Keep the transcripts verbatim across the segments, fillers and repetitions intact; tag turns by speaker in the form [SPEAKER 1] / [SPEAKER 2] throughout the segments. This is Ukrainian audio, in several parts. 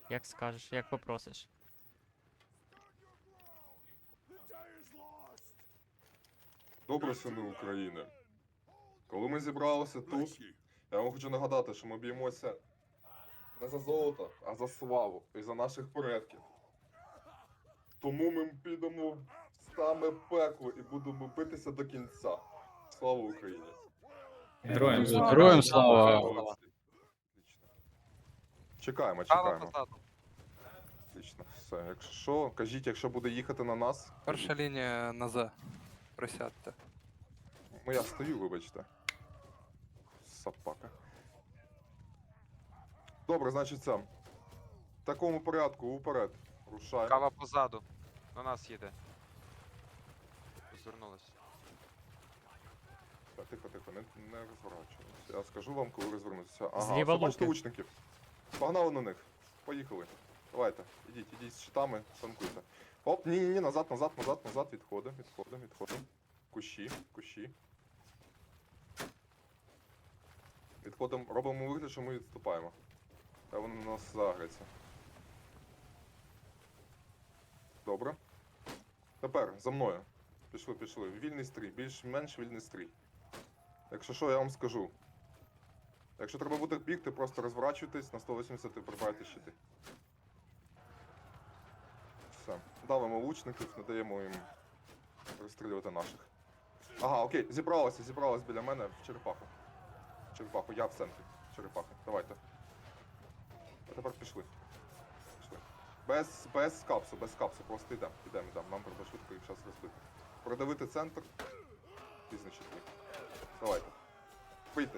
[SPEAKER 1] Як скажеш, як попросиш.
[SPEAKER 2] Добре, сини України. Коли ми зібралися тут, я вам хочу нагадати, що ми б'ємося не за золото, а за славу і за наших предків. Тому ми підемо в саме пекло і будемо битися до кінця. Слава Україні!
[SPEAKER 3] Героям слава.
[SPEAKER 4] Героям слава.
[SPEAKER 2] Молодці. Отлично. Чекаємо,
[SPEAKER 5] Право
[SPEAKER 2] чекаємо.
[SPEAKER 5] позаду.
[SPEAKER 2] Отлично. Все, якщо що, кажіть, якщо буде їхати на нас.
[SPEAKER 5] Перша лінія на З. Присядьте.
[SPEAKER 2] Ну я стою, вибачте. Сапака. Добре, значить це. В такому порядку, уперед. Рушаємо.
[SPEAKER 6] Кава позаду. На нас їде. Розвернулась.
[SPEAKER 2] Так, тихо, тихо, не, не розворачуємося. Я скажу вам, коли розвернутися. Ага,
[SPEAKER 1] Зліва
[SPEAKER 2] все, бачите
[SPEAKER 1] луки.
[SPEAKER 2] лучників. Погнали на них. Поїхали. Давайте, ідіть, ідіть з щитами, танкуйте. Оп, ні, ні, ні, назад, назад, назад, назад, відходимо, відходимо, відходимо. Кущі, кущі. Відходимо, робимо вигляд, що ми відступаємо. Та вони на нас загряться. Добре. Тепер, за мною. Пішли, пішли. Вільний стрій, більш-менш вільний стрій. Якщо що, я вам скажу. Якщо треба буде бігти, просто розворачуйтесь на сто вісімдесят і прибирайте щити. Все. Давимо лучників, не даємо їм розстрілювати наших. Ага, окей, зібралося, зібралося біля мене в черепаху. В черепаху, я в центрі черепахи. Давайте. А тепер пішли. Пішли. Без, без капсу, без капсу, просто йдемо, йдемо, йдемо. Нам треба швидко їх зараз розбити. Продавити центр. Пізно щити. Давайте. Бийтесь.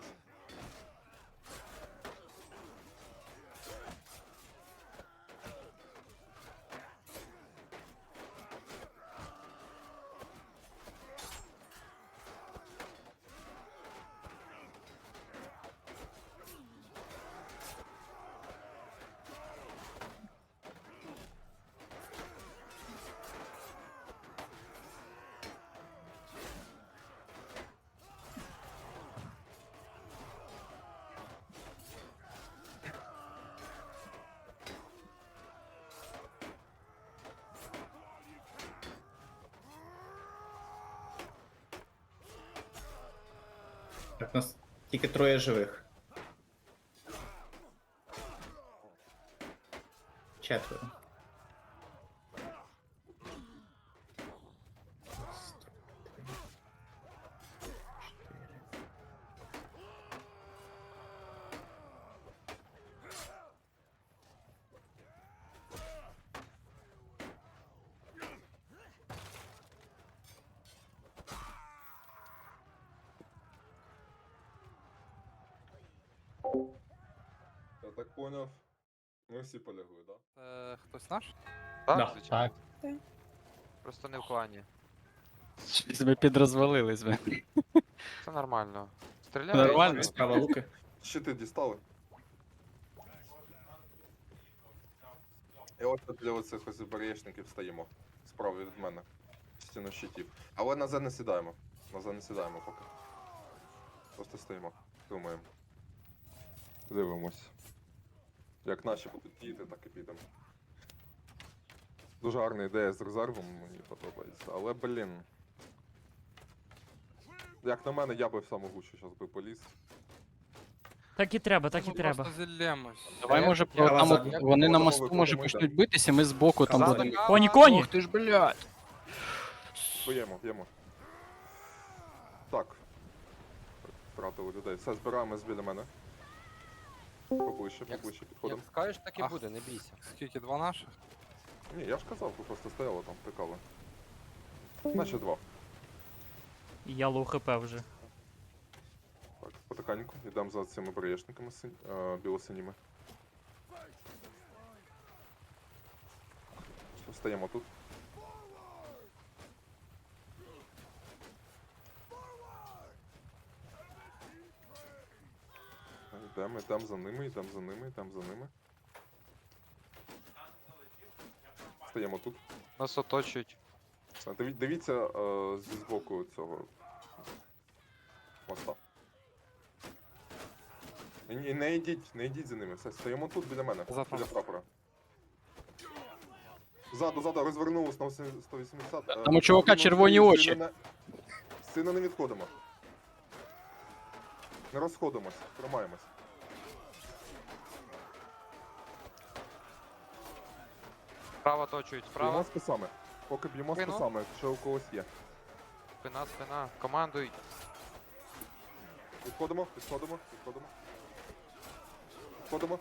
[SPEAKER 3] Так, у нас тільки троє живих. Четверо. Раз, два, три, чотири.
[SPEAKER 2] Я так поняв. Ми всі полягли, так? Да?
[SPEAKER 5] Це хтось наш?
[SPEAKER 6] Так,
[SPEAKER 3] Да.
[SPEAKER 6] звичайно.
[SPEAKER 4] Так.
[SPEAKER 6] Просто не в клані.
[SPEAKER 4] Щось ми підрозвалились ми.
[SPEAKER 6] Це нормально. Стріляємо.
[SPEAKER 4] Нормально.
[SPEAKER 3] Справа луки.
[SPEAKER 2] Щити дістали. І ось тут для оцих ось бар'єшників стоїмо. Справа від мене. Стіну щитів. Але на Зе не сідаємо. На Зе не сідаємо поки. Просто стоїмо. Думаємо. Дивимось. Як наші будуть діяти, так і підемо. Дуже гарна ідея з резервом, мені подобається. Але, блін. Як на мене, я би в саму гущу зараз би поліз.
[SPEAKER 1] Так і треба, так і
[SPEAKER 5] Ми
[SPEAKER 1] треба.
[SPEAKER 5] Просто зіллємось.
[SPEAKER 4] Давай, може,
[SPEAKER 3] Я
[SPEAKER 4] про- там
[SPEAKER 3] вас
[SPEAKER 4] от
[SPEAKER 2] за-
[SPEAKER 4] вони на
[SPEAKER 2] я
[SPEAKER 4] мосту,
[SPEAKER 2] готовий,
[SPEAKER 4] може,
[SPEAKER 2] готовий,
[SPEAKER 4] почнуть битися, ми збоку там
[SPEAKER 3] Казали.
[SPEAKER 4] будемо.
[SPEAKER 1] Коні, коні!
[SPEAKER 4] Ох ти ж, блядь!
[SPEAKER 2] Б'ємо, б'ємо. Так. Втратили людей. Все, збираємось біля мене. Поближче,
[SPEAKER 7] Як,
[SPEAKER 2] поближче
[SPEAKER 7] як
[SPEAKER 2] підходимо.
[SPEAKER 7] скажеш, так і
[SPEAKER 5] Ах.
[SPEAKER 7] буде, не бійся.
[SPEAKER 5] Скільки, два наших?
[SPEAKER 2] Ні, я ж казав, ви просто стояли там, тикали. Наче два.
[SPEAKER 1] І я лоу хп вже.
[SPEAKER 2] Так, потихеньку, йдемо за цими бреєшниками синь... е, білосиніми. Стаємо тут. Йдемо, йдемо за ними, йдемо за ними, йдемо за ними. Стаємо тут.
[SPEAKER 6] Нас оточують.
[SPEAKER 2] Все, диві- Дивіться е, зі збоку цього моста. І, і не йдіть, не йдіть за ними. Все, стоїмо тут біля мене,
[SPEAKER 5] Завтра.
[SPEAKER 2] біля прапора. Ззаду, ззаду, розвернулись на сто вісімдесят. е,
[SPEAKER 4] Там у чувака
[SPEAKER 2] сильно
[SPEAKER 4] червоні
[SPEAKER 2] сильно
[SPEAKER 4] очі.
[SPEAKER 2] не- Сильно не відходимо. Не розходимось, тримаємось.
[SPEAKER 6] Справа точують,
[SPEAKER 2] Б'ємо
[SPEAKER 6] справа.
[SPEAKER 2] списами. Поки б'ємо
[SPEAKER 6] Спину.
[SPEAKER 2] списами, якщо у когось є.
[SPEAKER 6] Спина, спина. Командуй.
[SPEAKER 2] Відходимо, відходимо, відходимо. Відходимо.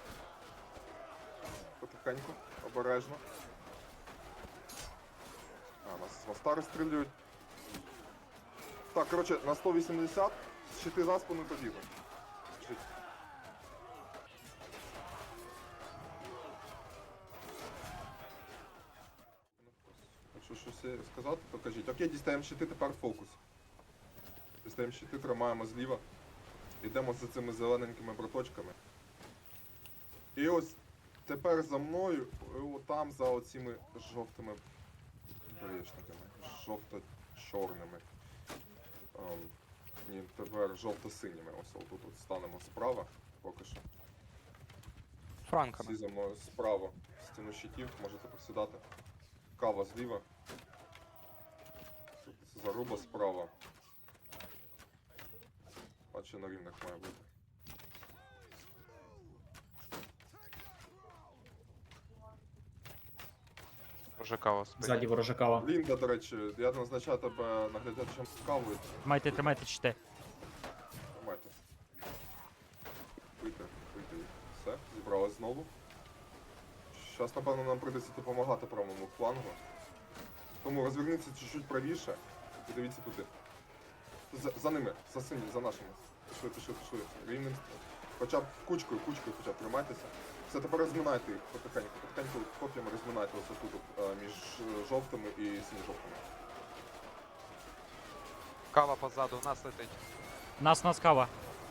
[SPEAKER 2] Потихеньку, обережно. А, нас з моста розстрілюють. Так, коротше, на сто вісімдесят, щити за спину побігли. Жить. Якщо щось є сказати, то кажіть. Окей, дістаємо щити, тепер фокус. Дістаємо щити, тримаємо зліва. Йдемо за цими зелененькими браточками. І ось тепер за мною, о, там за оціми жовтими беречниками. Жовто-чорними. Ем, ні, тепер жовто-синіми. Ось отут от станемо справа, поки що.
[SPEAKER 5] Франками.
[SPEAKER 2] Всі за мною справа. Стіну щитів, можете посідати. Кава зліва. Тут заруба справа. Наче на рівнях має бути.
[SPEAKER 6] Вже кава спить.
[SPEAKER 3] Ззаді ворожа кава.
[SPEAKER 2] Лінда, до речі, я назначаю тебе наглядачем з кавою.
[SPEAKER 1] Тримайте, тримайте щити.
[SPEAKER 2] Тримайте. Вийти, вийти. Все, зібралась знову. Зараз, напевно, нам прийдеться допомагати правому флангу. Тому розверніться чуть-чуть правіше і дивіться туди. За, за ними, за сині, за нашими. Пішли, пішли, пішли. Рівним. Хоча б кучкою, кучкою хоча б тримайтеся. Все, тепер розминайте їх потихеньку. Потихеньку коп'ями розминайте ось тут е, між е, жовтими і синьо-жовтими.
[SPEAKER 6] Кава позаду, в нас летить.
[SPEAKER 1] Нас, нас кава.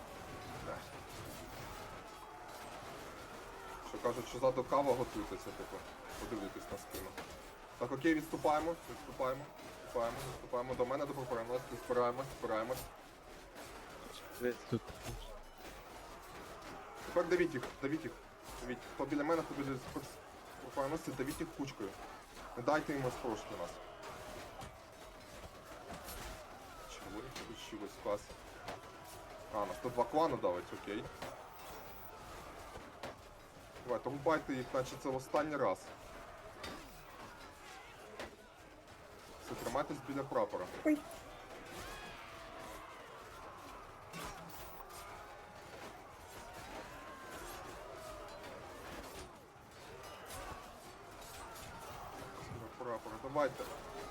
[SPEAKER 2] Що кажуть, що ззаду кава готуйтеся, типу, подивитись на спину. Так, окей, відступаємо, відступаємо, відступаємо, відступаємо до мене, до прапореності, збираємось, збираємось.
[SPEAKER 4] Тут.
[SPEAKER 2] Тепер давіть їх, давіть їх. Давіть. Хто біля мене, хто біля прапореності, давіть їх кучкою. Не дайте їм розпрошити нас. Червоні получилось, клас. А, нас тут два клана давить, окей. Давайте, рубайте їх, наче це в останній раз. Все, тримайтесь біля прапора. Ой. Біля прапора, давайте.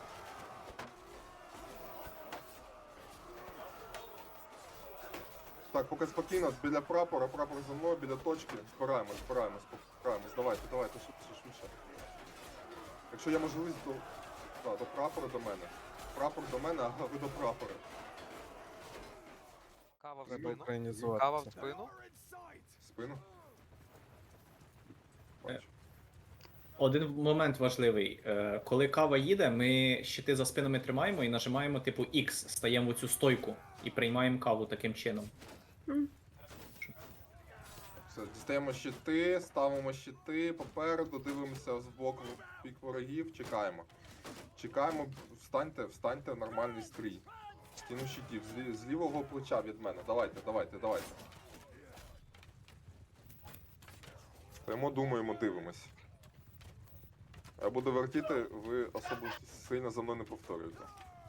[SPEAKER 2] Так, поки спокійно, біля прапора, прапор за мною, біля точки. Збираємось, збираємось, збираємось. Давайте, давайте, швидше, швидше. Якщо є можливість, то да, до прапора до мене. Прапор до мене, а ви до прапора.
[SPEAKER 6] Кава в
[SPEAKER 2] Треба
[SPEAKER 6] спину. Кава в спину.
[SPEAKER 2] В спину. Бачу.
[SPEAKER 3] Один момент важливий. Е, Коли кава їде, ми щити за спинами тримаємо і нажимаємо типу X, стаємо в цю стойку і приймаємо каву таким чином.
[SPEAKER 2] Все, дістаємо щити, ставимо щити попереду, дивимося з боку в бік ворогів, чекаємо. Чекаємо, встаньте, встаньте в нормальний стрій. Стіну щитів, з, лі- з лівого плеча від мене. Давайте, давайте, давайте. Стоїмо, думаємо, дивимось. Я буду вертіти, ви особо сильно за мною не повторюєте.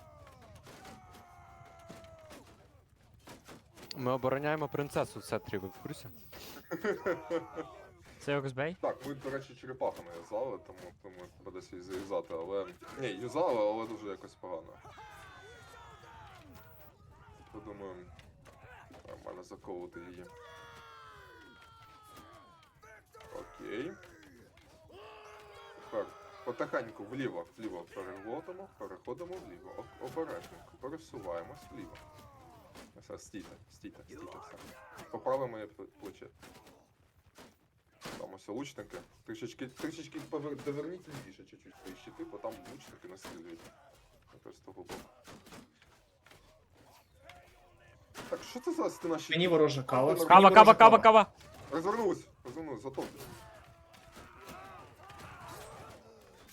[SPEAKER 7] Ми обороняємо принцесу в центрі, ви в курсі?
[SPEAKER 1] Це Оксбей?
[SPEAKER 2] Так, ми, до речі, черепахами юзали, тому, тому треба десь її заюзати, але... Ні, юзали, але дуже якось погано. Подумаю, нормально заковувати її. Окей. Тепер потихеньку вліво, вліво переходимо, переходимо вліво. О- Обережненько, пересуваємось вліво. Все, стійте, стійте, стійте, все. Поправимо моє п- плече. Там ось лучники. Трішечки, трішечки повер... доверніть лівіше чуть-чуть свої щити, бо там лучники настрілюють. Якось з того боку. Так, що це за стіна щитів?
[SPEAKER 3] Мені ворожа кава.
[SPEAKER 2] Кава,
[SPEAKER 1] Кава, кава, кава, кава.
[SPEAKER 2] Розвернусь, розвернусь, затоплю.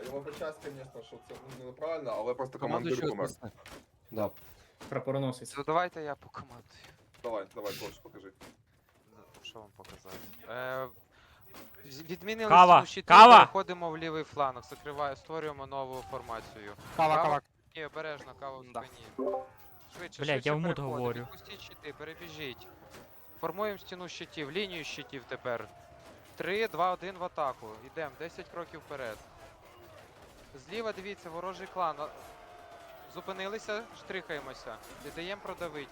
[SPEAKER 2] Я вибачаюсь, звісно, що це ну, неправильно, але просто
[SPEAKER 7] Команду
[SPEAKER 2] командир
[SPEAKER 7] щось
[SPEAKER 2] помер.
[SPEAKER 7] несне. Да.
[SPEAKER 3] Прапороносець.
[SPEAKER 6] То давайте я по команді.
[SPEAKER 2] Давай, давай, Кош, покажи.
[SPEAKER 6] Ну, Що вам показати? Е, з- відмінили
[SPEAKER 1] Кава,
[SPEAKER 6] стіну щитів,
[SPEAKER 1] кава!
[SPEAKER 6] переходимо в лівий фланг, закриваю, створюємо нову формацію.
[SPEAKER 5] Кава, кава.
[SPEAKER 6] Ні, обережно, кава в
[SPEAKER 5] Да.
[SPEAKER 6] спині. Швидше,
[SPEAKER 1] Блядь,
[SPEAKER 6] швидше
[SPEAKER 1] я в мут
[SPEAKER 6] переходимо,
[SPEAKER 1] говорю.
[SPEAKER 6] Відпустіть щити, перебіжіть. Формуємо стіну щитів, лінію щитів тепер. три, два, один в атаку. Йдемо, десять кроків вперед. Зліва дивіться, ворожий клан. А- Зупинилися, штрихаємося. Не даємо продавити.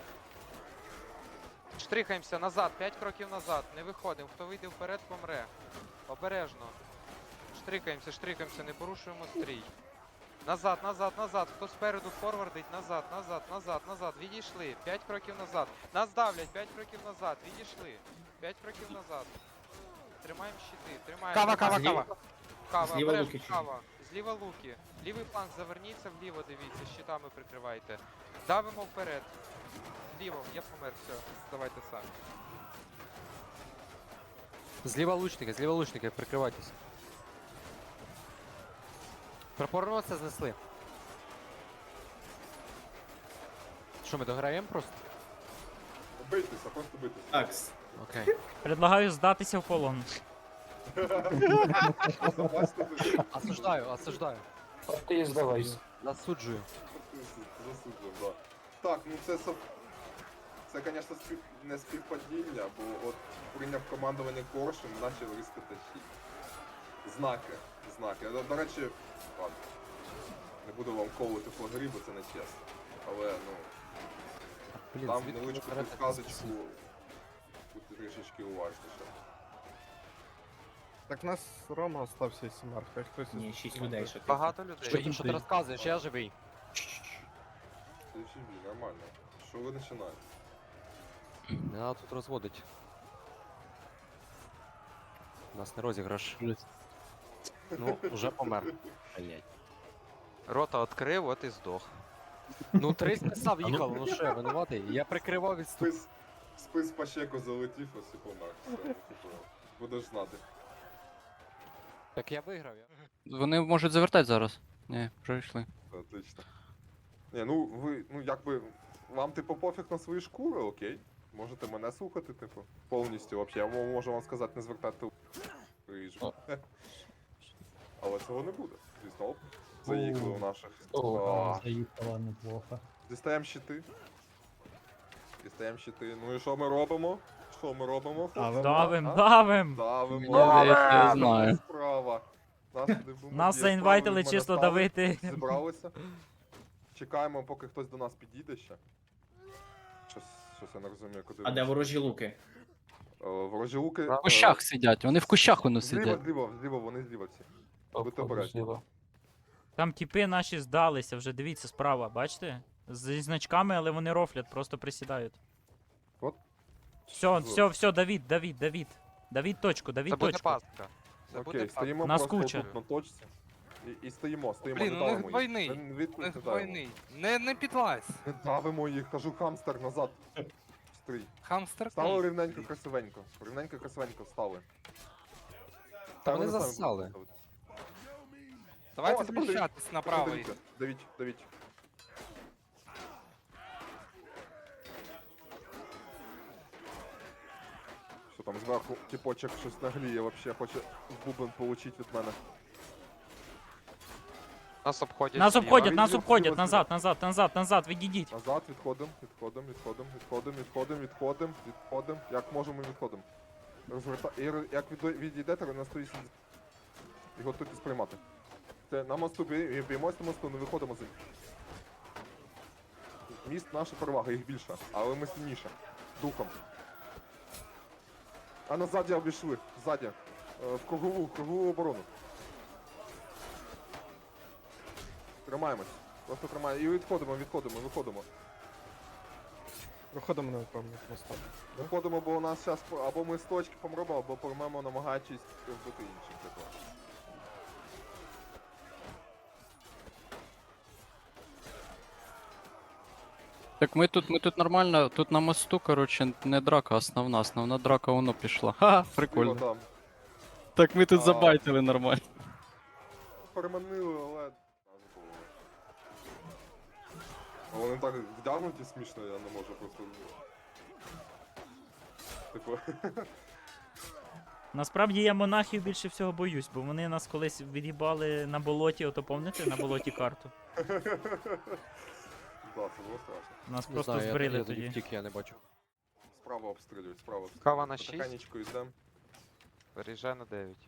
[SPEAKER 6] Штрихаємося назад, п'ять кроків назад. Не виходимо. Хто вийде вперед, помре. Обережно. Штрикаємося, штрикаємося, не порушуємо стрій. Назад, назад, назад. Хто спереду форвардить, назад, назад, назад, назад. Відійшли. П'ять кроків назад. Нас давлять, п'ять кроків назад. Відійшли. П'ять кроків назад. Тримаємо щити, тримаємо.
[SPEAKER 5] Кава, кава,
[SPEAKER 3] Зліва-
[SPEAKER 5] кава.
[SPEAKER 6] Кава,
[SPEAKER 3] Зліва
[SPEAKER 6] обережно,
[SPEAKER 3] луки чужі.
[SPEAKER 6] кава. Зліва луки. Лівий фланг, заверніться вліво, дивіться, щитами прикривайте. Давимо вперед. Вліво, я помер, все. Давайте самі.
[SPEAKER 7] Зліва лучники, зліва лучники, прикривайтесь. Прапороносця знесли. Що, ми дограємо просто?
[SPEAKER 2] Бийтеся, просто бийтеся.
[SPEAKER 3] Такс.
[SPEAKER 7] Окей.
[SPEAKER 1] Предлагаю здатися в полон.
[SPEAKER 2] Бачите, ви-
[SPEAKER 7] Осуждаю, осуждаю.
[SPEAKER 8] Ти здавайся.
[SPEAKER 7] Засуджую.
[SPEAKER 2] Засуджую, да. Так, ну це сов... Це, звісно, спів... не співпадіння, бо от прийняв командування Коршун, почав рискати щит. Знаки, знаки. До, до речі, ладно. Не буду вам колити флагері, бо це не чесно. Але, ну,
[SPEAKER 7] Блін,
[SPEAKER 2] там
[SPEAKER 7] звідки
[SPEAKER 2] невеличку
[SPEAKER 7] ви берете
[SPEAKER 2] підказочку,
[SPEAKER 7] ці-
[SPEAKER 2] будьте трішечки уважніше.
[SPEAKER 9] Так в нас Рома остався і Сімар, хай хтось із-
[SPEAKER 3] Ні, шість людей ще. тихо.
[SPEAKER 6] Багато людей.
[SPEAKER 7] Що їм, що ти розказуєш, я живий.
[SPEAKER 2] Це живі, нормально. Що ви починаєте?
[SPEAKER 7] Не треба тут розводить. У нас не розіграш. Ну, уже помер. Блять.
[SPEAKER 6] Рота відкрив, от і здох.
[SPEAKER 7] Ну, три списав їхало, ну що, я винуватий? Я прикривав відступ.
[SPEAKER 2] Спис, спис по щеку залетів, ось і помер. Все, типу, будеш знати.
[SPEAKER 7] Так я виграв. Я...
[SPEAKER 4] Вони можуть завертати зараз. Ні, вже йшли.
[SPEAKER 2] Це отлично. Ні, ну ви, ну якби, вам типу пофіг на свої шкури, окей. Можете мене слухати, типу, повністю вообще. Я мо- можу вам сказати, не звертати ріжу. Але цього не буде. Звісно, оп, заїхали у наших. А,
[SPEAKER 8] Заїхала неплохо.
[SPEAKER 2] Дістаємо щити. Дістаємо щити. Ну і що ми робимо? Що ми робимо?
[SPEAKER 9] Але
[SPEAKER 1] Давим,
[SPEAKER 2] А?
[SPEAKER 1] давим!
[SPEAKER 2] Давимо.
[SPEAKER 4] Я- я- я знаю.
[SPEAKER 2] Справа. Нас, туди був
[SPEAKER 1] Нас
[SPEAKER 2] є
[SPEAKER 1] заінвайтили
[SPEAKER 2] справа,
[SPEAKER 1] чисто
[SPEAKER 2] ми настали,
[SPEAKER 1] давити.
[SPEAKER 2] Зібралися. Чекаємо, поки хтось до нас підійде ще. Щось, щось я не розумію, куди.
[SPEAKER 3] А де ворожі луки?
[SPEAKER 2] Е, Ворожі луки.
[SPEAKER 4] В кущах сидять, вони в кущах воно
[SPEAKER 2] Зліва,
[SPEAKER 4] сидять.
[SPEAKER 2] зліва, зліва, вони зліва всі. Будьте обережні.
[SPEAKER 1] Там тіпи наші здалися, вже дивіться справа, бачите? Зі значками, але вони рофлять, просто присідають.
[SPEAKER 2] От.
[SPEAKER 1] Все, все, все, Давід, Давід, Давід. Давід точку, Давід
[SPEAKER 6] Це буде
[SPEAKER 1] точку.
[SPEAKER 6] пастка. Це буде
[SPEAKER 2] Окей,
[SPEAKER 6] пастка.
[SPEAKER 2] стоїмо
[SPEAKER 1] Нас
[SPEAKER 2] просто
[SPEAKER 1] куча.
[SPEAKER 2] тут на точці. І, і стоїмо, стоїмо,
[SPEAKER 5] Блін,
[SPEAKER 2] не
[SPEAKER 5] у них
[SPEAKER 2] давимо їх.
[SPEAKER 5] двойний.
[SPEAKER 2] Не, від-
[SPEAKER 5] У
[SPEAKER 2] не
[SPEAKER 5] них
[SPEAKER 2] давимо.
[SPEAKER 5] двойний. Не, не підлазь.
[SPEAKER 2] Не давимо їх, кажу хамстер назад. Стрій.
[SPEAKER 5] Хамстер.
[SPEAKER 2] Стали рівненько, красивенько. Рівненько, красивенько стали.
[SPEAKER 7] Та вони
[SPEAKER 2] самі
[SPEAKER 7] засали.
[SPEAKER 2] будуть ставити.
[SPEAKER 5] Давайте
[SPEAKER 2] О, тепер
[SPEAKER 5] зміщатись на правий.
[SPEAKER 2] Давіть, давіть, давіть. Що там зверху тіпочок щось нагліє, вообще хоче в бубен получить від мене.
[SPEAKER 6] Нас обходять.
[SPEAKER 1] Нас
[SPEAKER 6] зліва.
[SPEAKER 1] обходять, нас
[SPEAKER 2] Зліва,
[SPEAKER 1] обходять,
[SPEAKER 2] зліва,
[SPEAKER 1] назад, назад, назад, назад, відійдіть.
[SPEAKER 2] Назад відходимо, відходимо, відходимо, відходимо, відходимо, відходимо, відходимо. Як можемо, відходимо. Розверта... І ро- як від... відійдете, ви на сто вісімдесят. І готуйтесь приймати. Це на мосту бі- б'ємось на мосту, не виходимо з ним. Міст наша перевага, їх більше, але ми сильніше. Духом. А назаді обійшли, ззаді. Е, В кругову, в кругову оборону. Тримаємось. Просто тримаємо. І відходимо, відходимо, виходимо.
[SPEAKER 9] Виходимо на певних мостах.
[SPEAKER 2] Виходимо, бо у нас зараз або ми з точки помремо, або помремо, намагаючись вбити інших. Типу.
[SPEAKER 4] Так ми тут, ми тут нормально, тут на мосту, коротше, не драка основна, основна драка воно пішла. Ха, прикольно.
[SPEAKER 2] Зліва там.
[SPEAKER 4] Так ми тут
[SPEAKER 2] А.
[SPEAKER 4] забайтили нормально.
[SPEAKER 2] переманили, але... Зразу було. А Вони так вдягнуті смішно, я не можу просто... Типу...
[SPEAKER 1] Насправді я монахів більше всього боюсь, бо вони нас колись від'їбали на болоті, ото пам'ятаєте, на болоті карту.
[SPEAKER 2] Да, це було страшно.
[SPEAKER 1] Нас
[SPEAKER 7] Не
[SPEAKER 1] просто
[SPEAKER 7] знаю, я,
[SPEAKER 1] збрили
[SPEAKER 7] я тоді
[SPEAKER 1] тоді.
[SPEAKER 7] втік, я не бачу.
[SPEAKER 2] Справа обстрілюють, справа обстрілюють.
[SPEAKER 6] Кава на шість.
[SPEAKER 2] Потихенечку йдем.
[SPEAKER 6] Переїжджай на дев'ять.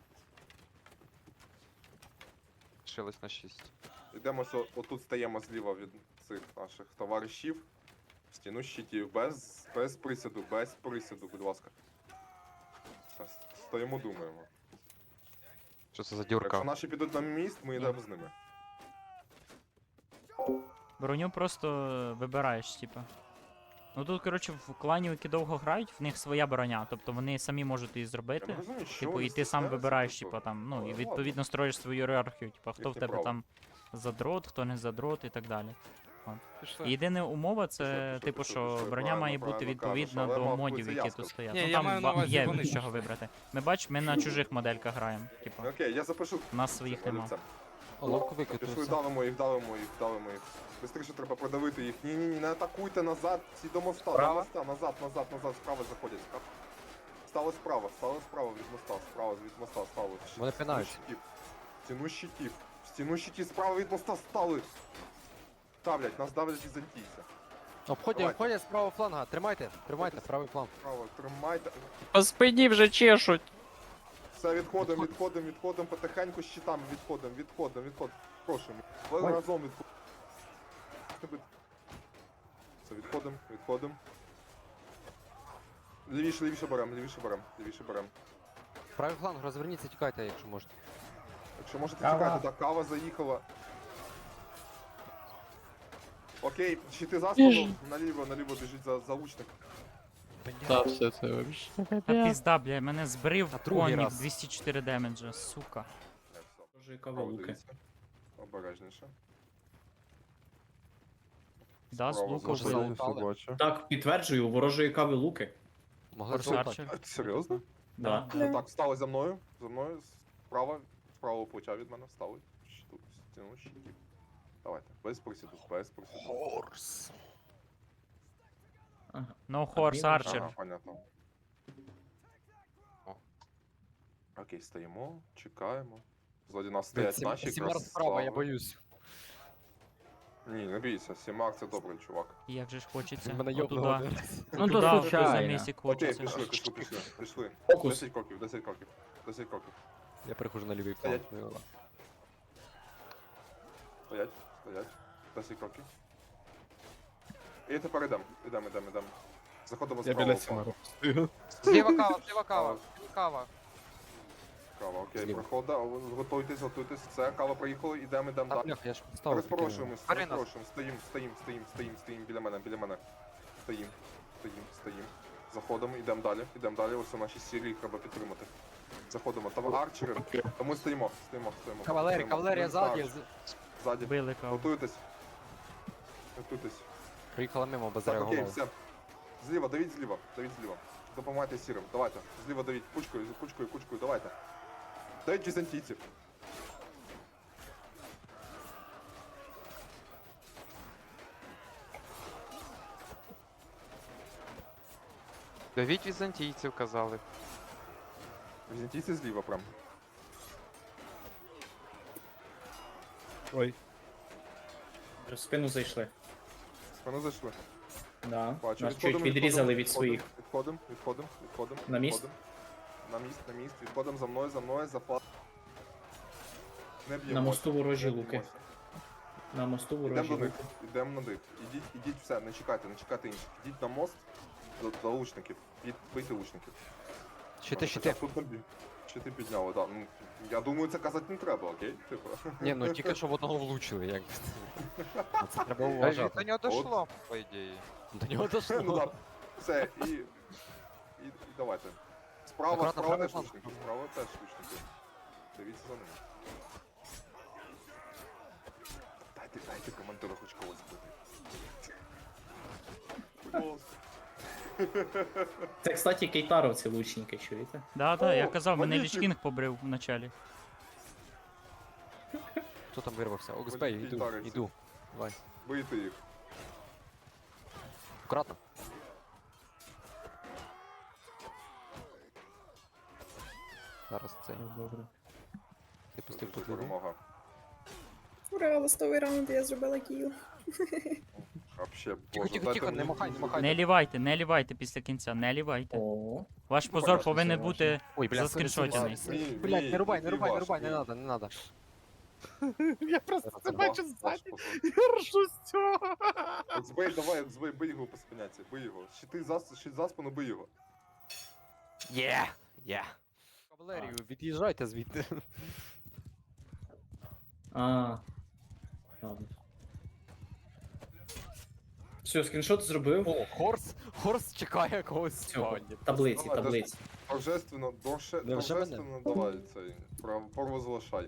[SPEAKER 6] Лишилось на шість.
[SPEAKER 2] Йдемо, ось о- отут стаємо зліва від цих наших товаришів. В стіну щитів, без, без присіду, без присіду, будь ласка. Все, стоїмо, думаємо.
[SPEAKER 6] Що це за дюрка?
[SPEAKER 2] Якщо наші підуть на міст, ми йдемо з ними.
[SPEAKER 1] Броню просто вибираєш, типа. Ну тут, коротше, в клані, які довго грають, в них своя броня, тобто вони самі можуть її
[SPEAKER 2] Я не
[SPEAKER 1] зробити.
[SPEAKER 2] розумію, що
[SPEAKER 1] Типу,
[SPEAKER 2] вони
[SPEAKER 1] і ти сам
[SPEAKER 2] стісняються,
[SPEAKER 1] вибираєш,
[SPEAKER 2] типу.
[SPEAKER 1] типа там, ну,
[SPEAKER 2] Але
[SPEAKER 1] і
[SPEAKER 2] ладно.
[SPEAKER 1] відповідно строїш свою ієрархію, типа, хто в
[SPEAKER 2] Їхнє
[SPEAKER 1] тебе
[SPEAKER 2] право.
[SPEAKER 1] там задрот, хто не задрот і так далі.
[SPEAKER 5] Пішли.
[SPEAKER 1] І єдина умова це,
[SPEAKER 2] Пішли, пішли,
[SPEAKER 1] типу,
[SPEAKER 2] пішли,
[SPEAKER 1] що
[SPEAKER 2] пішли,
[SPEAKER 1] броня
[SPEAKER 2] правильно,
[SPEAKER 1] має бути
[SPEAKER 2] правильно
[SPEAKER 1] відповідна
[SPEAKER 2] кажеш, але
[SPEAKER 1] до
[SPEAKER 2] мав
[SPEAKER 1] модів,
[SPEAKER 2] бути
[SPEAKER 1] які
[SPEAKER 2] ясно.
[SPEAKER 1] тут стоять.
[SPEAKER 5] Ні,
[SPEAKER 1] Ну
[SPEAKER 5] я
[SPEAKER 1] там
[SPEAKER 5] маю на
[SPEAKER 1] ба-
[SPEAKER 5] увазі,
[SPEAKER 1] є
[SPEAKER 5] вони
[SPEAKER 1] з чого вибрати. Ми бач, ми на чужих модельках граємо. Типу,
[SPEAKER 2] Окей, я запишу.
[SPEAKER 1] у нас своїх нема.
[SPEAKER 2] Олівцем.
[SPEAKER 7] Ловко
[SPEAKER 2] Пішли,
[SPEAKER 7] викидався.
[SPEAKER 2] давимо їх, давимо їх, давимо їх. Бистріше треба продавити їх. Ні-ні-ні, не атакуйте назад, всі до моста, до
[SPEAKER 6] Справа?
[SPEAKER 2] моста, назад, назад, назад, справа заходять. Справа. Стали справа, стали справа від моста, справа від моста, стали. Щ-
[SPEAKER 7] Вони
[SPEAKER 2] стіну
[SPEAKER 7] пинають.
[SPEAKER 2] щитів. Стіну щитів. Стіну щитів, справа від моста стали. Давлять, нас давлять візантійці.
[SPEAKER 7] Обходять,
[SPEAKER 2] Давайте.
[SPEAKER 7] обходять з правого фланга. Тримайте, тримайте, правий фланг.
[SPEAKER 2] Справа, тримайте.
[SPEAKER 1] По спині вже чешуть.
[SPEAKER 2] Все, відходимо, відходимо, відходимо, потихеньку з щитами відходимо, відходимо, відходимо. Прошу, ми разом відходимо. Все, відходимо, відходимо. Лівіше, лівіше берем, лівіше берем, лівіше берем.
[SPEAKER 7] Правий фланг, розверніться, тікайте, якщо можете.
[SPEAKER 2] Якщо можете
[SPEAKER 8] Кава.
[SPEAKER 2] тікати, так, кава заїхала. Окей, щити за спину, наліво, наліво біжить за, за лучник.
[SPEAKER 4] Та все це вообще.
[SPEAKER 1] Та пізда, бля, мене збрив
[SPEAKER 7] А другий
[SPEAKER 1] конік
[SPEAKER 7] раз.
[SPEAKER 1] двісті чотири демеджа, сука.
[SPEAKER 2] Не, все,
[SPEAKER 3] Ворожі
[SPEAKER 2] право
[SPEAKER 3] кава луки.
[SPEAKER 2] дивіться. Обережніше.
[SPEAKER 1] Да, з
[SPEAKER 2] Справа
[SPEAKER 1] лука
[SPEAKER 2] знову
[SPEAKER 1] вбили.
[SPEAKER 7] залутали.
[SPEAKER 2] бачу.
[SPEAKER 3] Так, підтверджую, у ворожої кави луки.
[SPEAKER 7] Могли
[SPEAKER 1] Форс
[SPEAKER 7] залутати.
[SPEAKER 1] Арчер.
[SPEAKER 2] Серйозно?
[SPEAKER 3] Да.
[SPEAKER 1] Да.
[SPEAKER 2] Так, встали за мною, за мною, справа, з правого плеча від мене встали. Щиту, стіну щитів. Давайте, без присіду, без присіду.
[SPEAKER 7] Хорс.
[SPEAKER 3] Ага.
[SPEAKER 1] No Horse
[SPEAKER 3] Ага.
[SPEAKER 1] Archer.
[SPEAKER 2] Ага, понятно. Окей, стоїмо, чекаємо. Ззаді нас стоять наші
[SPEAKER 7] Сімар
[SPEAKER 2] якраз
[SPEAKER 7] справа, я
[SPEAKER 2] слави.
[SPEAKER 7] боюсь.
[SPEAKER 2] Ні, не бійся, Сімак це добрий чувак.
[SPEAKER 1] Як же ж хочеться.
[SPEAKER 7] Він мене
[SPEAKER 1] Отуда.
[SPEAKER 7] йобнув один раз.
[SPEAKER 1] Ну
[SPEAKER 8] то
[SPEAKER 1] туди,
[SPEAKER 8] случайно.
[SPEAKER 1] за місяць
[SPEAKER 2] Окей,
[SPEAKER 1] хочеться.
[SPEAKER 2] пішли, пішли, пішли, пішли.
[SPEAKER 3] Фокус.
[SPEAKER 2] десять кроків, десять кроків, десять кроків.
[SPEAKER 7] Я перехожу на лівий фланг.
[SPEAKER 2] Стоять.
[SPEAKER 7] ну, ладно.
[SPEAKER 2] Стоять, стоять. десять кроків. І тепер ідемо, ідемо, ідемо, ідемо. Заходимо з
[SPEAKER 9] Я
[SPEAKER 2] правого
[SPEAKER 9] біля
[SPEAKER 2] флангу.
[SPEAKER 9] Сімару стою.
[SPEAKER 6] Зліва кава, зліва кава, зліва кава.
[SPEAKER 2] Кава, окей,
[SPEAKER 7] Зліва.
[SPEAKER 2] прохода, готуйтесь, готуйтесь. Все, кава приїхала, ідемо, ідемо
[SPEAKER 7] А,
[SPEAKER 2] далі.
[SPEAKER 7] бляха, я ж поставив.
[SPEAKER 2] Розпорошуємось,
[SPEAKER 6] Арина.
[SPEAKER 2] розпорошуємось, стоїм, стоїм, стоїм, стоїм, стоїм, біля мене, біля мене. Стоїм, стоїм, стоїм. Заходимо, йдемо далі, йдемо далі, ось у наші сірі, їх треба підтримати. Заходимо, там арчери, тому стоїмо, стоїмо, стоїмо.
[SPEAKER 7] Кавалерія,
[SPEAKER 2] стоїмо.
[SPEAKER 7] кавалерія
[SPEAKER 2] Стоїмо,
[SPEAKER 7] ззаді.
[SPEAKER 2] арчери.
[SPEAKER 7] з-
[SPEAKER 2] Ззаді,
[SPEAKER 1] Били каву.
[SPEAKER 2] готуйтесь. Готуйтесь.
[SPEAKER 7] Приїхала мимо, без
[SPEAKER 2] Так, окей,
[SPEAKER 7] реагував.
[SPEAKER 2] все. Зліва, давіть зліва, давіть зліва. Допомагайте сірим, давайте. Зліва давіть, кучкою, кучкою, кучкою, давайте. Давіть візантійців.
[SPEAKER 6] Давіть візантійців, казали.
[SPEAKER 2] Візантійці зліва прям.
[SPEAKER 9] Ой,
[SPEAKER 3] В спину зайшли.
[SPEAKER 2] Вони зайшли.
[SPEAKER 3] Да.
[SPEAKER 2] Бачу,
[SPEAKER 3] Нас чуть
[SPEAKER 2] відходимо,
[SPEAKER 3] відрізали
[SPEAKER 2] відходимо,
[SPEAKER 3] від своїх.
[SPEAKER 2] Відходимо, відходимо, відходимо.
[SPEAKER 3] На міст?
[SPEAKER 2] відходимо. На міст, на міст. Відходимо за мною, за мною, за флаг. Не б'ємо.
[SPEAKER 3] На мосту ворожі
[SPEAKER 2] не
[SPEAKER 3] луки.
[SPEAKER 2] б'ємося.
[SPEAKER 3] На мосту
[SPEAKER 2] Ідемо
[SPEAKER 3] ворожі
[SPEAKER 2] до них,
[SPEAKER 3] луки.
[SPEAKER 2] ідемо на них. Ідіть, ідіть все, не чекайте, не чекайте інших. Ідіть на мост до, до лучників. Ідіть, бийте лучників.
[SPEAKER 7] Щити,
[SPEAKER 2] Хоча
[SPEAKER 7] щити.
[SPEAKER 2] Тут набі. Щити підняли, да. Ну, я думаю, це казати не треба, окей? Типу.
[SPEAKER 7] Ні, ну тільки що в одного влучили, як. Це треба
[SPEAKER 6] Та ж
[SPEAKER 7] уважати.
[SPEAKER 6] до нього дошло, по ідеї.
[SPEAKER 7] До нього
[SPEAKER 2] Ну
[SPEAKER 7] дошло.
[SPEAKER 2] да. Все, і, і, і давайте. Справа,
[SPEAKER 7] Акуратно,
[SPEAKER 2] справа
[SPEAKER 7] правий
[SPEAKER 2] теж
[SPEAKER 7] фланг.
[SPEAKER 2] лучники, справа теж лучники. Дивіться за ними. Дайте, дайте командиру хоч когось бити. Будь ласка.
[SPEAKER 3] Це, кстати, кейтаровці лучники, чуєте?
[SPEAKER 1] Да, да, я
[SPEAKER 2] О,
[SPEAKER 1] казав, мене
[SPEAKER 2] магнітик.
[SPEAKER 1] Лічкінг побрив вначалі.
[SPEAKER 7] Хто там вирвався? Оксбей,
[SPEAKER 2] Блін,
[SPEAKER 7] іду,
[SPEAKER 2] тариться.
[SPEAKER 7] іду. Давай.
[SPEAKER 2] Бийте їх.
[SPEAKER 7] Акуратно. Зараз це.
[SPEAKER 3] Добре.
[SPEAKER 7] Ти пустив
[SPEAKER 2] Дуже
[SPEAKER 7] подвір'я.
[SPEAKER 2] перемога.
[SPEAKER 10] Ура, листовий раунд, я зробила кіл.
[SPEAKER 2] Вообще,
[SPEAKER 7] Тихо,
[SPEAKER 2] боже,
[SPEAKER 7] тихо,
[SPEAKER 2] дайте
[SPEAKER 7] тихо,
[SPEAKER 2] мені
[SPEAKER 7] не махай, не
[SPEAKER 2] дуже-
[SPEAKER 7] махай.
[SPEAKER 1] Не лівайте, не лівайте після кінця, не лівайте.
[SPEAKER 3] О,
[SPEAKER 1] Ваш
[SPEAKER 2] Ну,
[SPEAKER 1] позор
[SPEAKER 2] конечно,
[SPEAKER 1] повинен
[SPEAKER 3] це
[SPEAKER 1] бути
[SPEAKER 7] Ой, бля,
[SPEAKER 1] заскріншотений.
[SPEAKER 2] Мій- мій-
[SPEAKER 7] Блядь, не рубай, не
[SPEAKER 2] мій
[SPEAKER 7] рубай, не
[SPEAKER 2] ваш,
[SPEAKER 7] рубай, не
[SPEAKER 2] мій.
[SPEAKER 7] надо, не надо.
[SPEAKER 9] Я просто
[SPEAKER 7] Зараз
[SPEAKER 9] це
[SPEAKER 7] це
[SPEAKER 9] бачу
[SPEAKER 2] Ваш
[SPEAKER 9] ззаді.
[SPEAKER 2] позор.
[SPEAKER 9] Я ржу з цього.
[SPEAKER 2] Оксбей, давай, Оксбей, бий його по спиняці, бий його. Щити за, щит за спину, бий його.
[SPEAKER 7] Є! Є! Кавалерію, від'їжджайте звідти.
[SPEAKER 3] а. Ладно. Все, скріншот зробив.
[SPEAKER 7] О, Хорс, Хорс чекає когось в
[SPEAKER 3] Цього.
[SPEAKER 7] спальні.
[SPEAKER 3] Таблиці,
[SPEAKER 2] Давай,
[SPEAKER 3] таблиці.
[SPEAKER 2] Торжественно, доше,
[SPEAKER 7] Не вже мене?
[SPEAKER 2] торжественно давай цей, прав- провозглашай.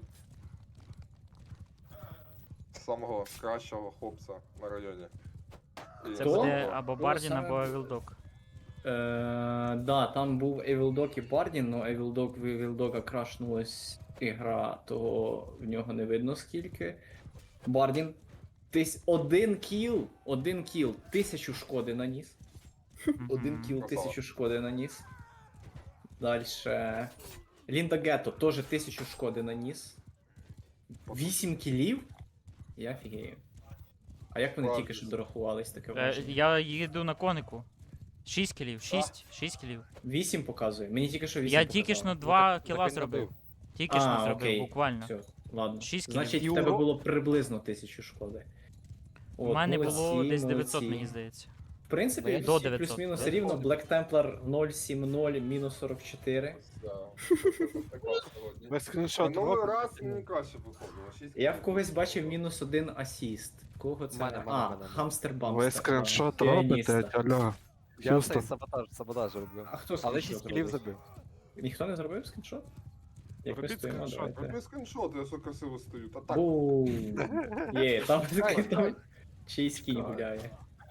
[SPEAKER 2] Самого кращого хлопця на районі. І
[SPEAKER 1] Це
[SPEAKER 3] Хто?
[SPEAKER 1] буде
[SPEAKER 2] самого-
[SPEAKER 1] або
[SPEAKER 3] Ну,
[SPEAKER 1] Бардін,
[SPEAKER 3] саме
[SPEAKER 1] або
[SPEAKER 3] буде.
[SPEAKER 1] Вілдок.
[SPEAKER 3] Е, да, там був Evil Dog і Бардін, але Evil Dog в Evil Dog крашнулась ігра, того в нього не видно скільки. Бардін. Тись один кіл, один кіл, тисячу шкоди наніс. Один
[SPEAKER 1] Мгм.
[SPEAKER 3] кіл,
[SPEAKER 2] Красава.
[SPEAKER 3] тисячу шкоди наніс. Дальше. Лінда Гетто теж тисячу шкоди наніс. Вісім кілів? Я фігею. А як вони
[SPEAKER 2] Ладно.
[SPEAKER 3] тільки що дорахувались таке
[SPEAKER 1] Е,
[SPEAKER 3] враження?
[SPEAKER 1] Я їду на конику. Шість кілів, шість, шість кілів.
[SPEAKER 3] Вісім показує. Мені тільки що вісім
[SPEAKER 1] Я
[SPEAKER 3] показало.
[SPEAKER 1] тільки ж на
[SPEAKER 7] Ну,
[SPEAKER 1] два
[SPEAKER 7] так-
[SPEAKER 1] кіла
[SPEAKER 7] так він
[SPEAKER 1] зробив.
[SPEAKER 7] набив.
[SPEAKER 1] Тільки ж
[SPEAKER 3] А,
[SPEAKER 1] не зробив,
[SPEAKER 3] окей.
[SPEAKER 1] буквально.
[SPEAKER 3] Все, ладно.
[SPEAKER 1] Шість кілів.
[SPEAKER 3] Значить, в
[SPEAKER 7] І
[SPEAKER 3] тебе
[SPEAKER 7] урон?
[SPEAKER 3] було приблизно тисячу шкоди.
[SPEAKER 1] У мене
[SPEAKER 3] молодці,
[SPEAKER 1] було десь дев'ятсот,
[SPEAKER 3] молодці.
[SPEAKER 1] мені здається.
[SPEAKER 3] В принципі,
[SPEAKER 7] Ну, я
[SPEAKER 3] всі
[SPEAKER 1] до дев'ятсот.
[SPEAKER 3] плюс-мінус
[SPEAKER 7] Я
[SPEAKER 3] рівно.
[SPEAKER 7] згоден.
[SPEAKER 3] Black Templar нуль сім нуль, мінус сорок чотири.
[SPEAKER 2] Да, так класно сьогодні.
[SPEAKER 9] Без скріншот.
[SPEAKER 2] Минулий
[SPEAKER 9] робимо.
[SPEAKER 2] раз не краще виходило. шість
[SPEAKER 3] Я в
[SPEAKER 2] кілів.
[SPEAKER 3] когось бачив мінус один асіст. Кого це?
[SPEAKER 7] Мене, мене,
[SPEAKER 3] а,
[SPEAKER 7] мене, мене.
[SPEAKER 3] хамстер
[SPEAKER 9] Ви
[SPEAKER 3] бамстер.
[SPEAKER 9] скріншот
[SPEAKER 3] а,
[SPEAKER 9] робите,
[SPEAKER 3] піаніста.
[SPEAKER 9] алло.
[SPEAKER 7] Я
[SPEAKER 9] Х'юстон.
[SPEAKER 7] цей саботаж, саботаж роблю.
[SPEAKER 3] А хто
[SPEAKER 7] Але
[SPEAKER 3] скріншот
[SPEAKER 7] шість кілів
[SPEAKER 3] робить?
[SPEAKER 7] забив.
[SPEAKER 3] Ніхто не зробив скріншот? Як ми
[SPEAKER 9] Робіть
[SPEAKER 3] стоїмо,
[SPEAKER 9] скріншот,
[SPEAKER 3] давайте.
[SPEAKER 2] Роби скріншот, я все красиво стою. Та так,
[SPEAKER 3] Бум. Є, там
[SPEAKER 2] Давай,
[SPEAKER 3] там чийсь кінь
[SPEAKER 2] Давай.
[SPEAKER 3] гуляє.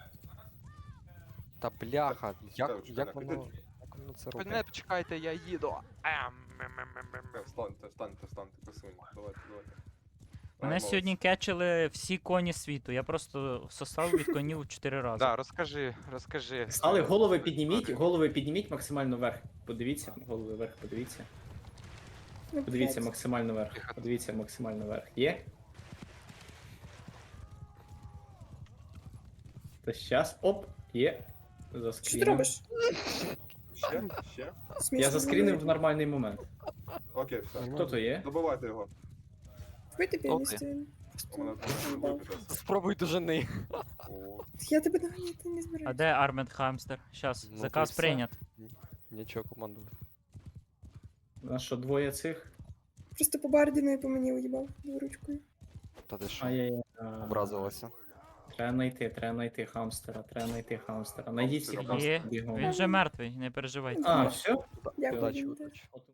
[SPEAKER 7] Та бляха, як,
[SPEAKER 2] Чекай, чекай,
[SPEAKER 7] як
[SPEAKER 2] чекай.
[SPEAKER 7] воно, як воно це
[SPEAKER 6] Мене
[SPEAKER 7] робить?
[SPEAKER 6] почекайте, я їду. Ем, мем, мем, мем, мем, мем.
[SPEAKER 2] встаньте, встаньте, встаньте, красивенько. Давайте, давайте.
[SPEAKER 1] Мене
[SPEAKER 2] Ай,
[SPEAKER 1] сьогодні
[SPEAKER 2] молодці.
[SPEAKER 1] кетчили всі коні світу. Я просто сосав від конів чотири рази.
[SPEAKER 6] Да, розкажи, розкажи.
[SPEAKER 3] Але голови підніміть, голови підніміть максимально вверх. Подивіться, голови вверх, подивіться.
[SPEAKER 10] Ну,
[SPEAKER 3] Подивіться
[SPEAKER 10] блядь.
[SPEAKER 3] максимально вверх. Подивіться максимально вверх. Є? То щас, оп, є.
[SPEAKER 10] Що ти
[SPEAKER 3] Заскрінив.
[SPEAKER 10] робиш?
[SPEAKER 2] Ще? Ще?
[SPEAKER 10] В смислі,
[SPEAKER 3] Я заскрінив в
[SPEAKER 10] ну,
[SPEAKER 3] нормальний момент.
[SPEAKER 2] Окей, все.
[SPEAKER 3] Хто то є?
[SPEAKER 2] Добивайте його.
[SPEAKER 10] Вбити піаністу.
[SPEAKER 2] У мене там випитеться.
[SPEAKER 7] Спробуй до жени.
[SPEAKER 2] О,
[SPEAKER 10] Я тебе доганяти не
[SPEAKER 1] А
[SPEAKER 10] збираюся.
[SPEAKER 1] де Армед Хамстер? Щас,
[SPEAKER 7] Ну,
[SPEAKER 1] заказ
[SPEAKER 7] то все.
[SPEAKER 1] прийнят.
[SPEAKER 7] Нічого, командую.
[SPEAKER 3] У нас що, двоє цих?
[SPEAKER 10] Просто по Бардіну і по мені уїбав дворучкою.
[SPEAKER 7] Та ти що,
[SPEAKER 3] Ай-яй-яй.
[SPEAKER 7] образилася.
[SPEAKER 3] Треба знайти, треба знайти хамстера, треба знайти хамстера. Найдіть всіх
[SPEAKER 2] Є,
[SPEAKER 3] хамстерів бігом.
[SPEAKER 1] Він вже мертвий, не переживайте.
[SPEAKER 3] А, все?
[SPEAKER 10] Дякую.
[SPEAKER 7] Удачі,
[SPEAKER 10] Лінда.
[SPEAKER 7] удачі.